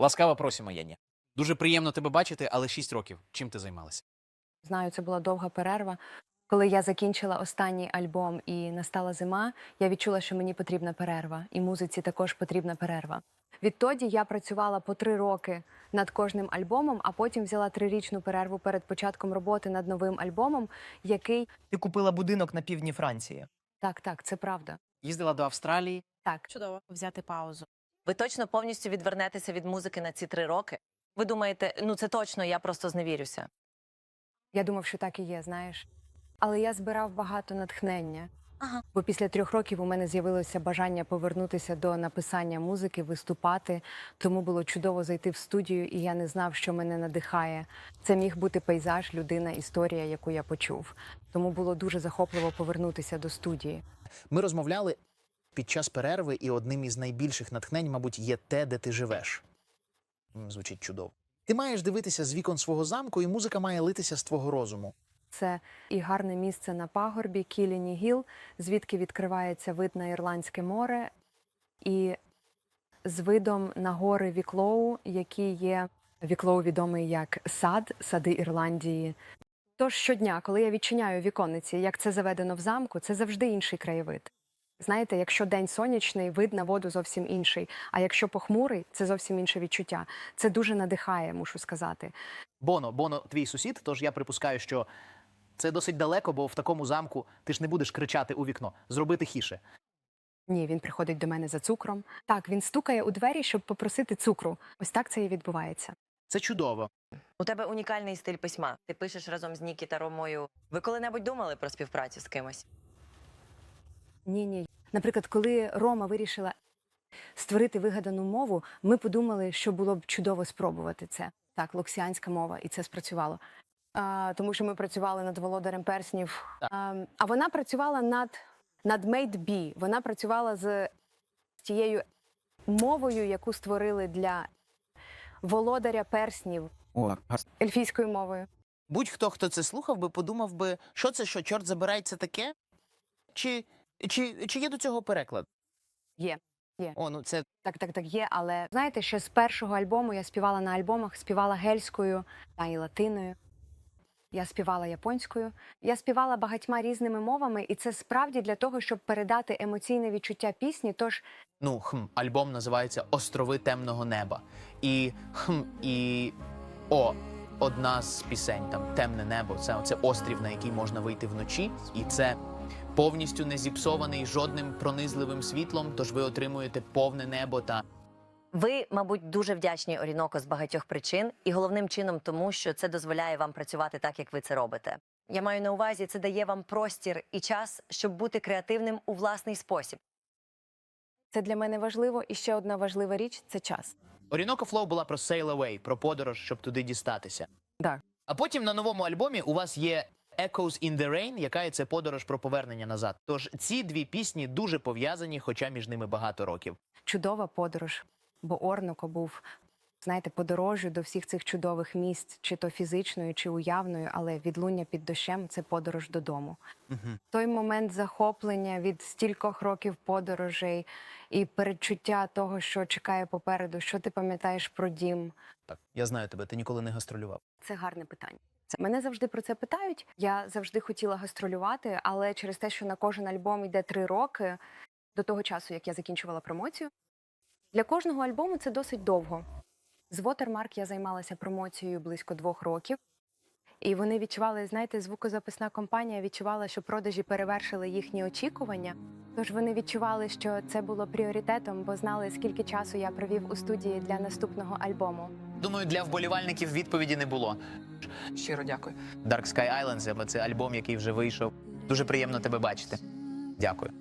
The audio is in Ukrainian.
Ласкаво просимо, Єні. Дуже приємно тебе бачити, але 6 років. Чим ти займалася? Знаю, це була довга перерва. Коли я закінчила останній альбом і настала зима, я відчула, що мені потрібна перерва, і музиці також потрібна перерва. Відтоді я працювала по 3 роки над кожним альбомом, а потім взяла 3-річну перерву перед початком роботи над новим альбомом, який Ти купила будинок на півдні Франції. так, це правда. Їздила до Австралії. Так, Чудово. Взяти паузу. Ви точно повністю відвернетеся від музики на ці 3 роки? Ви думаєте, ну це точно, я просто зневірюся. я думав, що так і є, знаєш. Але я збирав багато натхнення. Ага. Бо після 3 років у мене з'явилося бажання повернутися до написання музики, виступати. Тому було чудово зайти в студію, і я не знав, що мене надихає. Це міг бути пейзаж, людина, історія, яку я почув. Тому було дуже захопливо повернутися до студії. Ми розмовляли під час перерви, і одним із найбільших натхнень, мабуть, є те, де ти живеш. Звучить чудово. Ти маєш дивитися з вікон свого замку, і музика має литися з твого розуму. Це і гарне місце на пагорбі Кіліні Гіл, звідки відкривається вид на Ірландське море, і з видом на гори Віклоу, які є Віклоу відомий як сади Ірландії. Тож щодня, коли я відчиняю віконниці, як це заведено в замку, це завжди інший краєвид. Знаєте, якщо день сонячний, вид на воду зовсім інший, а якщо похмурий, це зовсім інше відчуття. Це дуже надихає, мушу сказати. Боно твій сусід, тож я припускаю, що це досить далеко, бо в такому замку ти ж не будеш кричати у вікно. Зроби тихіше. Ні, він приходить до мене за цукром. Так, він стукає у двері, щоб попросити цукру. Ось так це і відбувається. Це чудово. У тебе унікальний стиль письма. Ти пишеш разом з Нікі та Ромою. Ви коли-небудь думали про співпрацю з кимось? Ні. Наприклад, коли Рома вирішила створити вигадану мову, ми подумали, що було б чудово спробувати це. Так, локсіанська мова, і це спрацювало. Тому що ми працювали над «Володарем перснів». А вона працювала над Made B. Вона працювала з тією мовою, яку створили для «Володаря перснів» ельфійською мовою. Будь-хто, хто це слухав би, подумав би, що це, що, чорт забирай, це таке? Чи є до цього переклад? Є. О, ну це... Так, є, але знаєте, що з першого альбому я співала на альбомах, співала гельською та і латиною. Я співала японською, я співала багатьма різними мовами, і це справді для того, щоб передати емоційне відчуття пісні, тож Альбом називається «Острови темного неба». Одна з пісень, там, «Темне небо», це острів, на який можна вийти вночі, і це повністю не зіпсований жодним пронизливим світлом, тож ви отримуєте повне небо та... Ви, мабуть, дуже вдячні Оріноко з багатьох причин, і головним чином тому, що це дозволяє вам працювати так, як ви це робите. Я маю на увазі, це дає вам простір і час, щоб бути креативним у власний спосіб. це для мене важливо. І ще одна важлива річ – це час. Orinoco Flow була про sail away, про подорож, щоб туди дістатися. Так. А потім на новому альбомі у вас є Echoes in the Rain, яка є це подорож про повернення назад. Тож ці дві пісні дуже пов'язані, хоча між ними багато років. Чудова подорож, бо Орноко був, знаєте, подорожю до всіх цих чудових місць, чи то фізичною, чи уявною, але відлуння під дощем – це подорож додому. Той момент захоплення від стількох років подорожей і передчуття того, що чекає попереду, що ти пам'ятаєш про дім. Так, я знаю тебе, ти ніколи не гастролював. Це гарне питання. Мене завжди про це питають. Я завжди хотіла гастролювати, але через те, що на кожен альбом йде 3 роки, до того часу, як я закінчувала промоцію, для кожного альбому це досить довго. З Watermark я займалася промоцією близько 2 років. І вони відчували, знаєте, звукозаписна компанія відчувала, що продажі перевершили їхні очікування. Тож вони відчували, що це було пріоритетом, бо знали, скільки часу я провів у студії для наступного альбому. Думаю, для вболівальників відповіді не було. Щиро дякую. Dark Sky Islands – це альбом, який вже вийшов. Дуже приємно тебе бачити. Дякую.